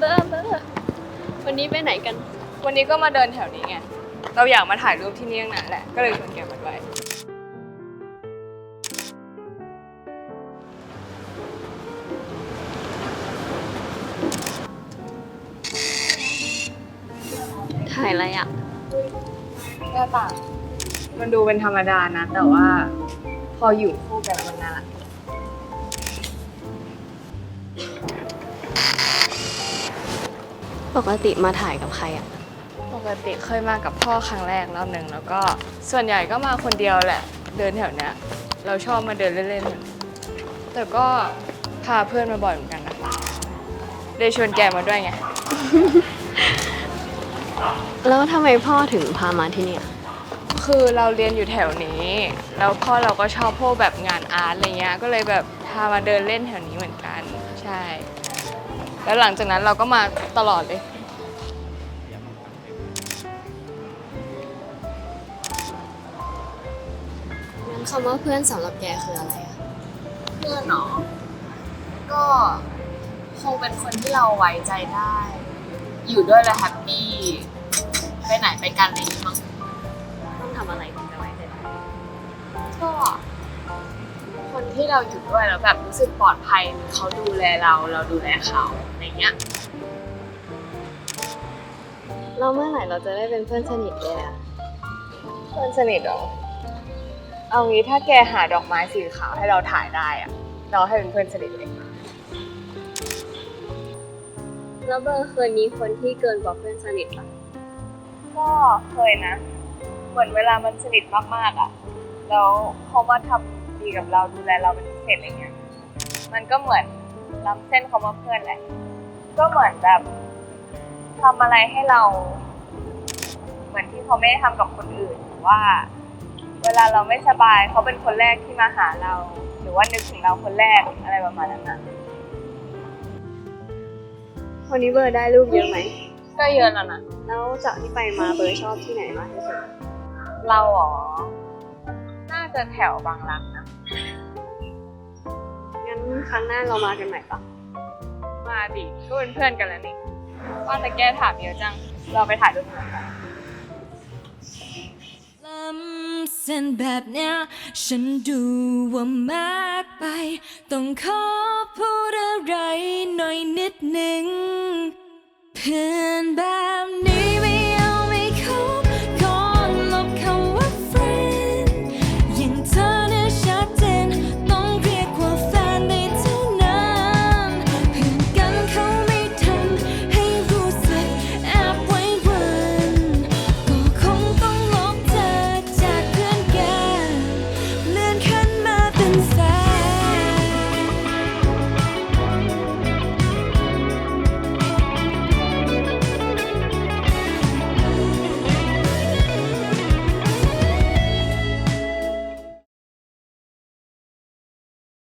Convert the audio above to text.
อร์วันนี้ไปไหนกันวันนี้ก็มาเดินแถวนี้ไงเราอยากมาถ่ายรูปที่นี่ตั้งนานแหละก็เลยชวนแกมาด้วยถ่ายอะไรอ่ะก็ต่างมันดูเป็นธรรมดานะแต่ว่าพออยู่คู่กันมันน่ารักปกติมาถ่ายกับใครอ่ะปกติเคยมากับพ่อครั้งแรกรอบหนึ่งแล้วก็ส่วนใหญ่ก็มาคนเดียวแหละเดินแถวเนี้ยเราชอบมาเดินเล่นๆแต่ก็พาเพื่อนมาบ่อยเหมือนกันนะเลยชวนแกมาด้วยไงแล้วทำไมพ่อถึงพามาที่นี่อ่ะคือเราเรียนอยู่แถวนี้แล้วพ่อเราก็ชอบพวกแบบงานอาร์ตอะไรเงี้ยก็เลยแบบพามาเดินเล่นแถวนี้เหมือนกันใช่แล้วหลังจากนั้นเราก็มาตลอดเลยงั้นคำว่าเพื่อนสำหรับแกคืออะไรอ่ะเพื่อนเนาะก็คงเป็นคนที่เราไว้ใจได้ อยู่ด้วยแล้วแฮปปี้ไปไหนไปกันอะไรอย่างงี้มั้งต้องทำอะไรถึงจะไว้ใจได้ก็คนที่เราอยู่ด้วยแล้วแบบรู้สึกปลอดภัยเขาดูแลเราดูแลเขาอะไรเงี้ยเราเมื่อไหร่เราจะได้เป็นเพื่อนสนิทเลยอ่ะเพื่อนสนิทเหรอเอางี้ถ้าแกหาดอกไม้สีขาวให้เราถ่ายได้อะเราให้เป็นเพื่อนสนิทเลยแล้วเบอร์เคยมีคนที่เกินกว่าเพื่อนสนิทปะก็เคยนะ เหมือนเวลามันสนิทมากๆอ่ะแล้วเขามาทำดีกับเราดูแลเราเป็นพิเศษอะไรเงี้ยมันก็เหมือนล้ำเส้นเขามาเพื่อนแหละก็เหมือนแบบทำอะไรให้เรา เหมือนที่เขาไม่ได้ทำกับคนอื่นหรือว่า เวลาเราไม่สบายเขาเป็นคนแรกที่มาหาเรา หรือว่านึกถึงเราคนแรกอะไรประมาณนั้นนะวันนี้เบอร์ได้รูปเยอะไหมก็เยอะแล้วนะแล้วจากที่ไปมาเบอร์ชอบที่ไหนมากที่สุดเราอ๋อน่าจะแถวบางรักนะงั้นครั้งหน้าเรามากันใหม่ปะมาดิก็เป็นเพื่อนกันแล้วนี่ว่าแต่แกถามเยอะจังเราไปถ่ายรูปกันล้ำเส้นแบบเนี้ยฉันดูว่ามากไปต้องขอพูดอะไรหน่อยนิดหนึ่งเพื่อนแบ